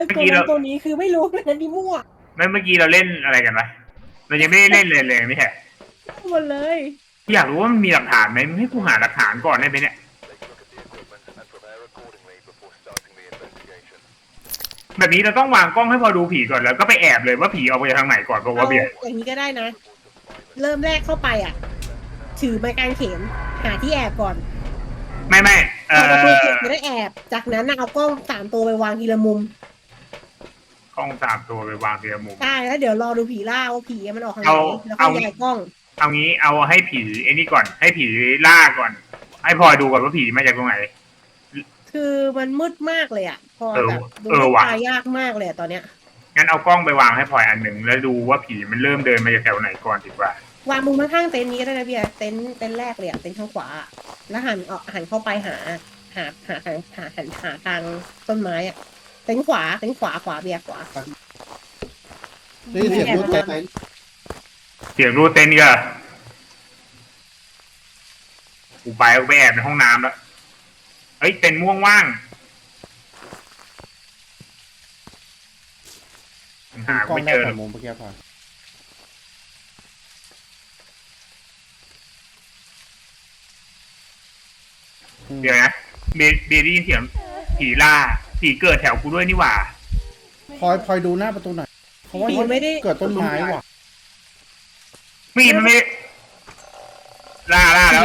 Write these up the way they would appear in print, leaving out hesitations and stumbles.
ตัวนั้นตัวนี้คือไม่รู้เลยนะนี่มั่วเมื่อกี้เราเล่นอะไรกันวะเรายังไม่ได้เล่นเลยไม่ใช่หมดเลยอยากรู้ว่ามันมีหลักฐานไหมให้กูหาหลักฐานก่อนได้ไหมเนี่ยแบบนี้เราต้องวางกล้องให้พอดูผีก่อนแล้วก็ไปแอบเลยว่าผีออกไปทางไหนก่อนเพราะว่าเอาเบียร์อย่างนี้ก็ได้นะเริ่มแรกเข้าไปถือไม้กางเขนหาที่แอบก่อนไม่พอประตูเปิดจะได้แอบจากนั้นเอากล้อง3 ตัวไปวางทีละมุมกล้อง3 ตัวไปวางทีละมุมใช่แล้วเดี๋ยวรอดูผีล่าว่าผีมันออกทางไหนแล้วก็ย้ายกล้องเอางี้เอาให้ผีไอ้นี่ก่อนให้ผีล่าก่อนให้พลอยดูก่อนว่าผีมาจากตรงไหนคือมันมืดมากเลยพอแบบดูตายยากมากเลยตอนเนี้ยงั้นเอากล้องไปวางให้พลอยอันหนึ่งแล้วดูว่าผีมันเริ่มเดินมาจากแถวไหนก่อนดีกว่าวางมุมข้างๆเต็นท์นี้ก็ได้นะเบียร์เต็นท์แรกเลยเต็นท์ข้างขวาแล้วหันเข้าไปหาทางต้นไม้เต็นท์ขวาเบียร์ขวาได้ยินเสียงรูดเต็นท์เสียงรูดเต็นท์ก็กูไปแอบในห้องน้ำแล้วเฮ้ยเต็นท์ม่วงว่างหาไม่เจอมุมเมื่อกี้พอเดี๋ยวนะเบได้ยินเสียงผีล่าผีเกิดแถวกูด้วยนี่หว่าพลอยดูหน้าประตูหน่อยเพราะว่าไม่ได้เกิดต้นไม้ว่ะมันไม่ล่าแล้ว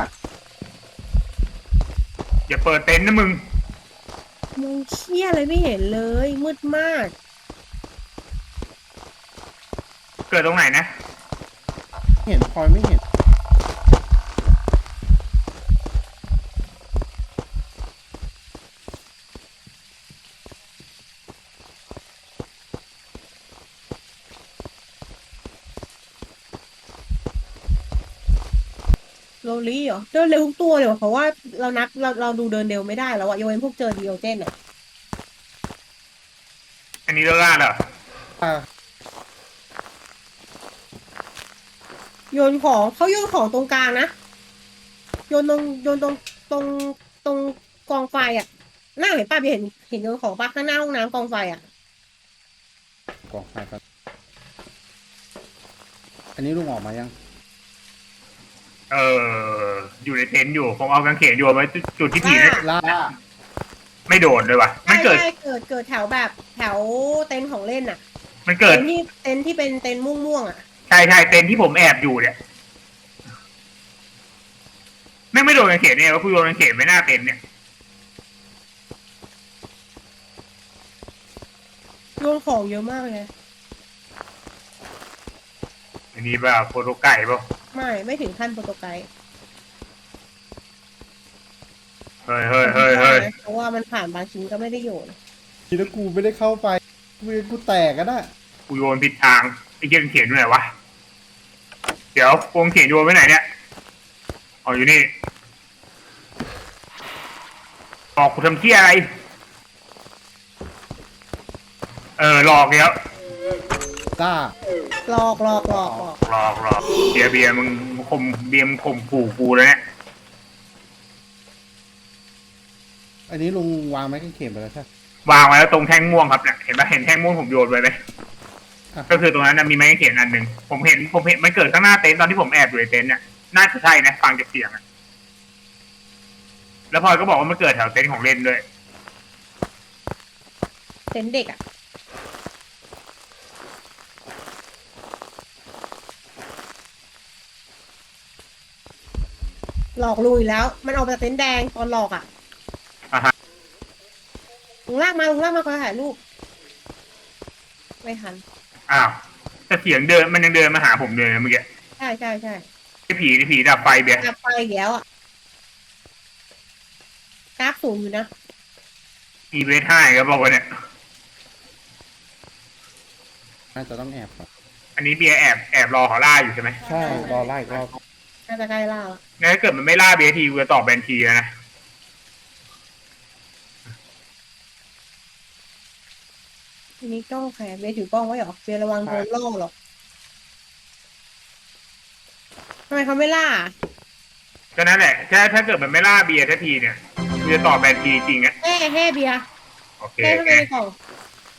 อย่าเปิดเต็นท์นะมึงเชี่ยอะไรไม่เห็นเลยมืดมากเกิดตรงไหนนะเห็นพลอยไม่เห็นโรลี่เหรอเดินเร็วทุกตัวเลยเพราะว่าเราดูเดินเร็วไม่ได้แล้วยกเว้นพวกเจอดีโอเจนอันนี้เราล่าเหรอโยนของเขาโยนของตรงกลางนะโยนตรงตรงกองไฟหน้าเห็นป้าเห็นโยนของป้าข้างหน้าห้องน้ำกองไฟกองไฟครับอันนี้ลุงออกมายังอยู่ในเต็นท์อยู่ผมเอากางเขนโยนไว้จุดที่ผีล่าไม่โดดเลยว่ะมันเกิดแถวแบบแถวเต็นท์ของเล่นมันเกิดเต็นท์ที่เป็นเต็นท์ม่วงใช่เต็นท์ที่ผมแอบอยู่เนี่ยไม่โดนกางเขนเนี่ยว่าคุณโดนกางเขนไม่น่าเต็นท์เนี่ยโยนของเยอะมากเลยอันนี้แบบโฟโต้ไก่ป่ะไม่ถึงขั้นโปรโตไกด์เฮ้ยเพราะว่ามันผ่านบางชิ้นก็ไม่ได้โยนทีแล้วกูไม่ได้เข้าไปกูแตกกันกูโยนผิดทางไอ้เกงเขียนอยู่ไหนวะเดี๋ยวกงเขียนโยนไว้ไหนเนี่ยอ๋ออยู่นี่บอกกูทำเที่ยอะไรหลอกแล้วล่าหลอกเบียร์มึงข่มขู่กูแล้วเนี่ยอันนี้ลุงวางไม้กางเขนไปแล้วใช่วางไว้แล้วตรงแท่งม่วงครับเนี่ยเห็นไหมเห็นแท่งม่วงผมโยนไปไหมก็คือตรงนั้นมีไม้กางเขนอันหนึ่งผมเห็นมันเกิดข้างหน้าเต็นท์ตอนที่ผมแอบอยู่ในเต็นท์เนี่ยน่าจะใช่นะฟังจากเสียงแล้วพลอยก็บอกว่ามันเกิดแถวเต็นท์ของเล่นด้วยเต็นท์เด็กหลอกลุยแล้วมันออกจากเต็นท์แดงตอนหลอกลุงลากมาขอถ่ายรูปไม่ทันอ้าวแต่เสียงเดินมันยังเดินมาหาผมเลยเมื่อกี้ใช่ไอ้ผีดับไฟเบียร์ดับไฟแล้วกราฟสูงอยู่นะ EV5ก็บอกว่าเนี่ยน่าจะต้องแอบครับอันนี้เบียร์แอบรอเขาล่าอยู่ใช่ไหมใช่รอไล่อีกรอบน่าจะใกล้ล่างั้นถ้าเกิดมันไม่ล่าเบียร์ทีกูจะตอบแบนทีแล้วนะทีนี้กล้องใครเบียร์ถือกล้องไว้หรอเบียร์ระวังโดนล่อหรอกทำไมเขาไม่ล่าก็นั่นแหละถ้าเกิดมันไม่ล่าเบียร์ทันทีเนี่ยกูจะตอบแบนทีจริงแห่เบียร์โอเคแห่ทำไมในกล่อง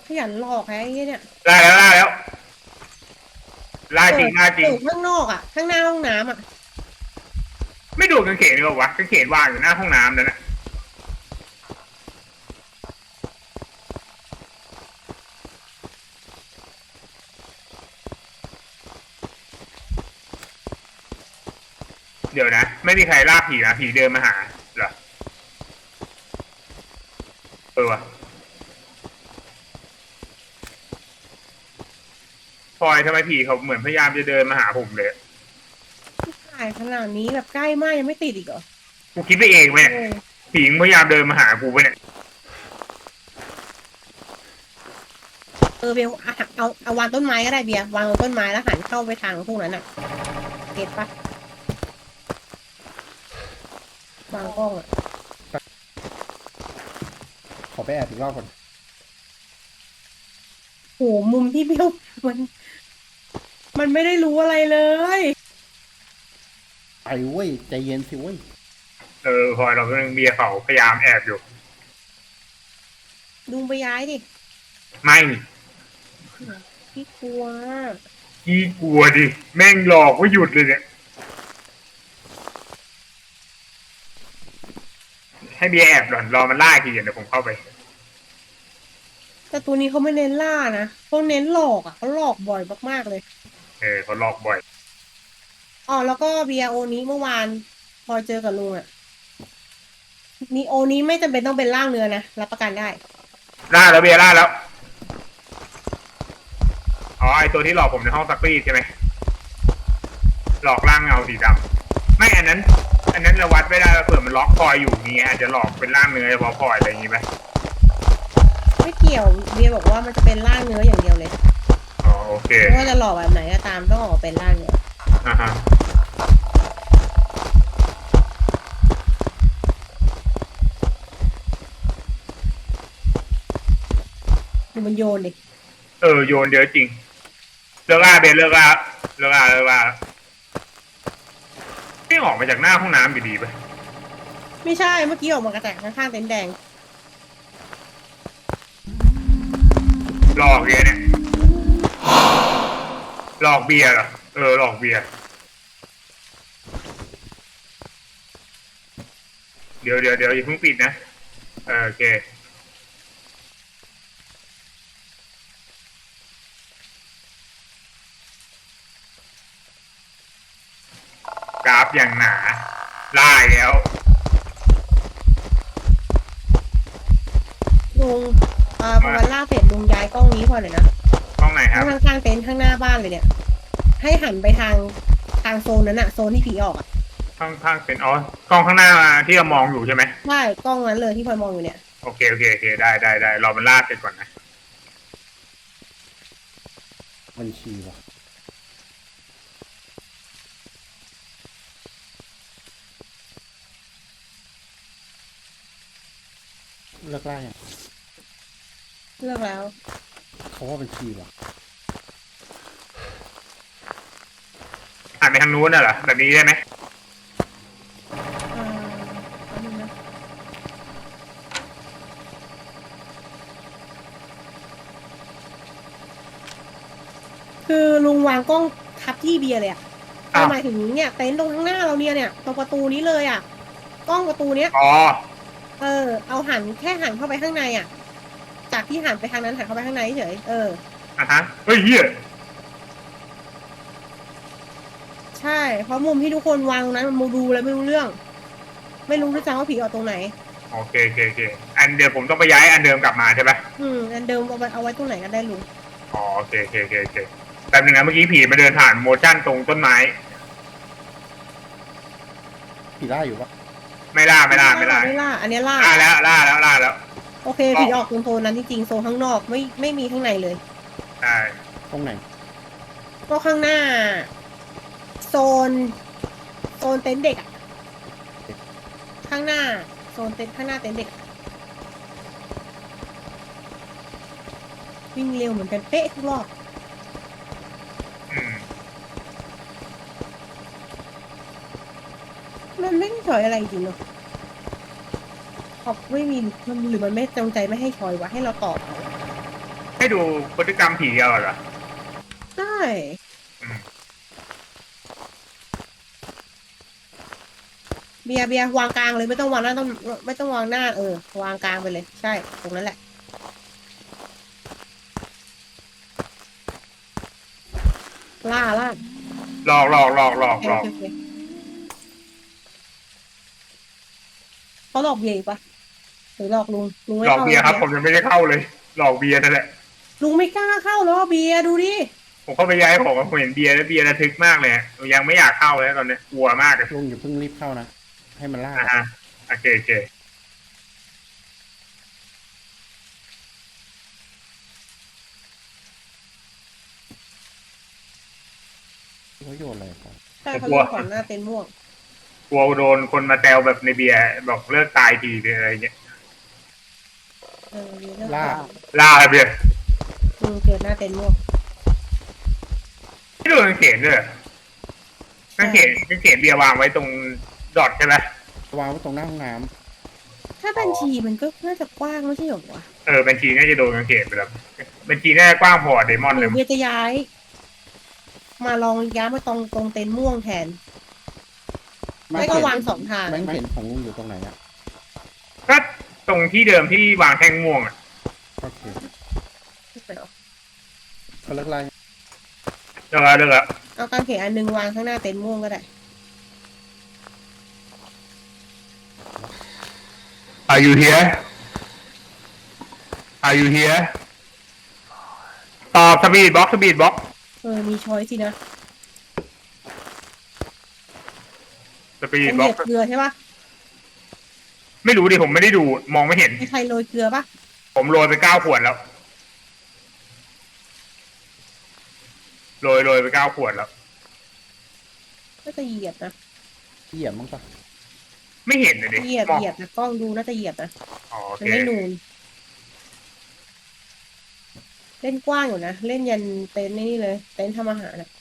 ขยันหลอกไอ้เนี่ยล่าแล้วล่าแล้วล่าจริงล่าจริงอยู่ข้างนอกอ่ะ ข้างหน้าห้องน้ำอ่ะไม่ดูกางเขนเลยวะกางเขนวางอยู่หน้าห้องน้ำนั่นนะเดี๋ยวนะไม่มีใครล่าผีนะผีเดินมาหาเหรอวะพลอยทำไมผีเขาเหมือนพยายามจะเดินมาหาผมเลยถ่ายขนาดนี้แบบใกล้มากยังไม่ติดอีกเหรอกูคิดไปเองไหมเนี่ยเออผีพยายามเดินมาหากูไปเนี่ยเบลเอาวางต้นไม้ก็ได้เบียร์วางต้นไม้แล้วหันเข้าไปทางพวกนั้นอ่ะเก็ตปะวางกล้องอ่ะขอไปแอบอีกรอบก่อนโหมุมที่เบลมันไม่ได้รู้อะไรเลยไปเว้ยใจเย็นสิเว้ยพลอยเราก็ยังเบียร์เขาพยายามแอบอยู่ลุงไปย้ายดิไม่พี่กลัวขี้กลัวดิแม่งหลอกว่าหยุดเลยเนี่ยให้เบียร์แอบหล่อนรอมันล่าทีเดี๋ยวผมเข้าไปแต่ตัวนี้เขาไม่เน้นล่านะเขาเน้นหลอกอ่ะเขาหลอกบ่อยมากๆเลยเขาหลอกบ่อยอ๋อแล้วก็เบียร์โอนี้เมื่อวานพอเจอกับลุงอ่ะนี่โอนี้ไม่จำเป็นต้องเป็นร่างเนื้อนะรับประกันได้ล่าแล้วเบียร์ล่าแล้วอ๋อไอตัวที่หลอกผมในห้องซักรีดใช่ไหมหลอกร่างเงาสีดำไม่อันนั้นเราวัดไม่ได้เผื่อมันล็อกพลอยอยู่นี่อาจจะหลอกเป็นร่างเนื้อเฉพาะพลอยอะไรอย่างงี้ไหมไม่เกี่ยวเบียร์บอกว่ามันจะเป็นร่างเนื้ออย่างเดียวเลยอ๋อโอเคไม่ว่าจะหลอกแบบไหนก็ตามต้องออกเป็นร่างเนื้ออ่าฮะดูมันโยนดิโยนเยอะจริงเลิกล่าเบนเลิกล่าไม่ออกมาจากหน้าห้องน้ำอยู่ดีไปไม่ใช่เมื่อกี้ออกมากระแตกข้างๆเต็นท์แดงหลอกเบียร์เนี่ยหลอกเบียร์เหรอหลอกเบียร์เดี๋ยวอย่าเพิ่งปิดนะโอเคกราฟอย่างหนาล่าแล้วลุงพอวันล่าเสร็จลุงย้ายกล้องนี้พอหน่อยนะห้องไหนครับข้างๆเต็นท์ข้างหน้าบ้านเลยเนี่ย ให้หันไปทางโซนนั้นอะโซนที่ผีออกอะข้างเป็นกล้องข้างหน้าที่เรามองอยู่ใช่ไหมใช่กล้องนั้นเลยที่พลอยมองอยู่เนี่ยโอเคได้รอมันล่าเสร็จก่อนนะบัญชีวะเลิกล่าอย่างเลือกแล้วเขาว่าบัญชีวะหันไปทางนู้นน่ะเหรอแบบนี้ได้ไหมแป๊บนึงนะคือลุงวางกล้องทับที่เบียร์เลยอะหมายถึงเนี่ยเต็นท์ตรงข้างหน้าเราเนี่ยตรงประตูนี้เลยอะกล้องประตูเนี้ยอ๋อเอาแค่หันเข้าไปข้างในอะจากที่หันไปทางนั้นหันเข้าไปข้างในเฉยอ่ะฮะเฮ้ยเฮียใช่เพราะมุมที่ทุกคนวางตรงนั้นมันดูแล้วไม่รู้เรื่อง ไม่รู้ด้วยซ้ำว่าผีออกตรงไหนโอเคอันเดี๋ยวผมต้องไปย้ายอันเดิมกลับมาใช่ปะอันเดิมเอาไว้ตรงไหนก็ได้ลุงอ๋อโอเคแป๊บนึงนะเมื่อกี้ผีมาเดินผ่านโมชั่นตรงต้นไม้ผีล่าอยู่ปะไม่ล่าไม่ล่าอันนี้ล่าล่าแล้วโอเคผีออกตรงโซนนั้นจริงๆโซนข้างนอกไม่มีข้างในเลยใช่ตรงไหนก็ข้างหน้า โซนเต็นท์เด็กอะข้างหน้าโซนเต็นท์ข้างหน้าเต็นท์เด็กอะวิ่งเร็วเหมือนกันเป๊ะทุกรอบอืมมันไม่มีชอยอะไรจริงเนาะไม่มีหรือมันไม่จงใจไม่ให้ชอยวะให้เราตอบเอาให้ดูพฤติกรรมผีเอาเหรอใช่อืมเบียร์วางกลางเลยไม่ต้องวางหน้าต้องไม่ต้องวางหน้าวางกลางไปเลย ใช่ตรงนั้นแหละล่าหลอกโอเคเขาหลอกเบียร์อีกปะหรือหลอกลุงไม่หลอกเข้าเบียร์ครับผมยังไม่ได้เข้าเลย หลอกเบียร์นั่นแหละลุงไม่กล้าเข้าแล้วเบียร์ดูดิผมเข้าไปย้ายของผมเห็นเบียร์แล้วเบียร์ระทึกมากเลยยังไม่อยากเข้าเลยตอนนี้กลัวมากเลยลุงอย่าเพิ่งรีบเข้านะ ให้มันล่าอ่าโอเคเขาโยนอะไรครับใช่เขาโยนก่อนหน้าเต็นท์ม่วงกลัวโดนคนมาแซวแบบในเบียร์บอกเลิกตายทีอะไรเงี้ยเบียร์เลือกล่าล่าเบียร์เกิดหน้าเต็นท์ม่วงไม่โดนกางเขนด้วยเหรอกางเขนเบียร์วางไว้ตรงดอทใช่ไหมวางไว้ตรงหน้าห้องน้ถ้าบัญชีมันก็น่าจะกว้างไม่ใช่หรอวะบัญชีน่าจะโดนกางเขนไปแล้วบัญชีน่าจะกว้างพอเดมอนหเลรืยอเบียร์จะย้าย มาลองย้ายมาตรงเต็นท์ม่วงแทนำไม่ก็วางสองทางแบงค์เห็นของลุงอยู่ตรงไหนอะก็ตรงที่เดิมที่วางแท่งม่วงอ่ะโอเคไม่เอาเขาเลิกไล่เลิกแล้วเอากางเขนอันนึงวางข้างหน้าเต็นท์ม่วงก็ได้ Are you here Are you here ตอบสปีดบ็อกมีช้อยสินะสปีดเป็นบ็เหอกยียบเกลือใช่ปะไม่รู้ดิผมไม่ได้ดูมองไม่เห็นมีใครโรยเกลือปะผมโรยไป9 ขวดแล้วโรยไป9 ขวดแล้วน่าจะเหยียบนะเหยียบมั้งปะไม่เห็นเลยดิเหยียบมองนะกล้องดูน่าจะเหยียบนะอ๋อโอมันเคไม่นูน เล่นกว้างอยู่นะ เล่นยันเต็นท์นี่เลย เต็นท์ทำอาหารนะ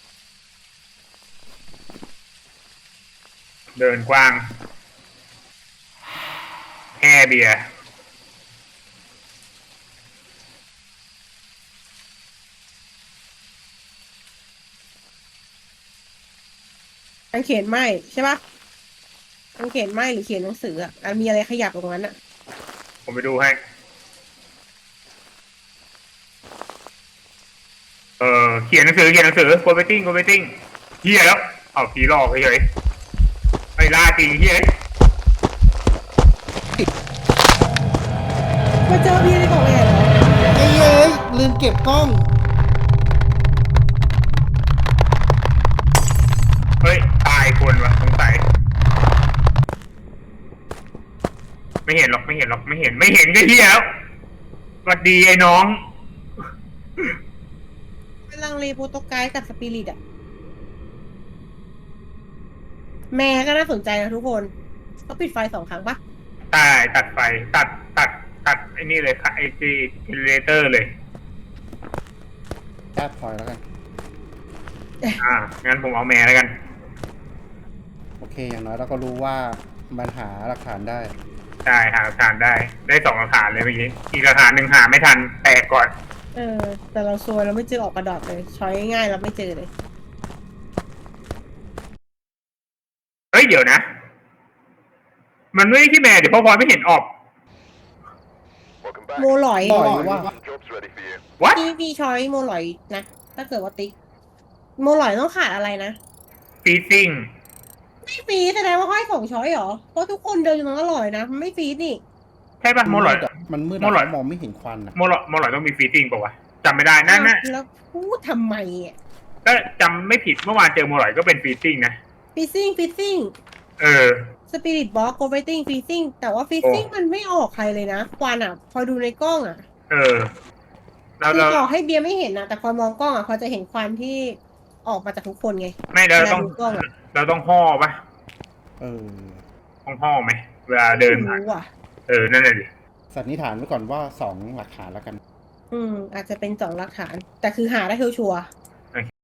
เดินกว้างแค่เบียร์กางเขนไหมใช่ปะกางเขนไหมหรือเขียนหนังสืออ่ะมีอะไรขยับตรงนั้นอ่ะผมไปดูให้เขียนหนังสือโกเบติ้งเฮียแล้วเอาผีหลอกเฉยๆไอ้ล่าจริงเฮียมาเจอพี่ในกล่องแอบเหรอเอ้ยลืมเก็บกล้องเฮ้ยตายคนวะสงสัยไม่เห็นก็เฮียแล้วสวัสดีไอ้น้องเป็นลังเลโปรโตไกด์กับสปิริตอ่ะ แม่ก็น่าสนใจนะทุกคนเขาปิดไฟ2 ครั้งปะใช่ตัดไฟตัดไอ้นี่เลยค่ะไอ้เจเนเรเตอร์เลยแอบพลอยแล้วกันงั้นผมเอาแม่แล้วกันโอเค อย่างน้อยเราก็รู้ว่ามันหาหลักฐานได้ใช่หาหลักฐานได้2 หลักฐานเลยเมื่อกี้อีกหลักฐานหนึ่งหาไม่ทันแตกก่อนแต่เราซวยเราไม่เจอออกกระดอดเลย ช้อยง่ายๆเราไม่เจอเลยเฮ้ยเดี๋ยวนะ มันไม่ใช่ที่แม่เดี๋ยวพ่อพลอยไม่เห็นออกโมหลอยหลอยว่า what มีช้อยโมหลอยนะ ถ้าเกิดว่าติ๊ก โมหลอยต้องขาดอะไรนะ freezing ไม่ฟีดแสดงว่าให้2 ช้อยเหรอ เพราะทุกคนเดินอยู่ตรงนั้นอร่อยนะ มันไม่ฟีดนี่ใช่ป่ะโมหลอยมันมืดโมหลอยมองไม่เห็นควันอะโมหลอยต้องมี freezing ป่าววะจำไม่ได้นั่นแล้วพูดทำไมอ่ะก็จำไม่ผิดเมื่อวานเจอโมหลอยก็เป็น freezing นะฟิซซิ่ง สปิริตบ็อกโกเวติ้งฟิซซิ่งแต่ว่าฟิซซิ่งมันไม่ออกใครเลยนะควันอ่ะ พอดูในกล้องอ่ะเราคือต่อให้เบียร์ไม่เห็นนะแต่พอมองกล้องอ่ะพอจะเห็นควันที่ออกมาจากทุกคนไงไม่เราต้องวลดูกล้องอ่ะเราต้องห่อป่ะเออต้องห่อไหมเวลาเดินผ่านรู้อ่ะนั่นแหละดิสันนิษฐานไว้ก่อนว่า2 หลักฐานแล้วกันอาจจะเป็น2 หลักฐาน แต่คือหาได้ชัวร์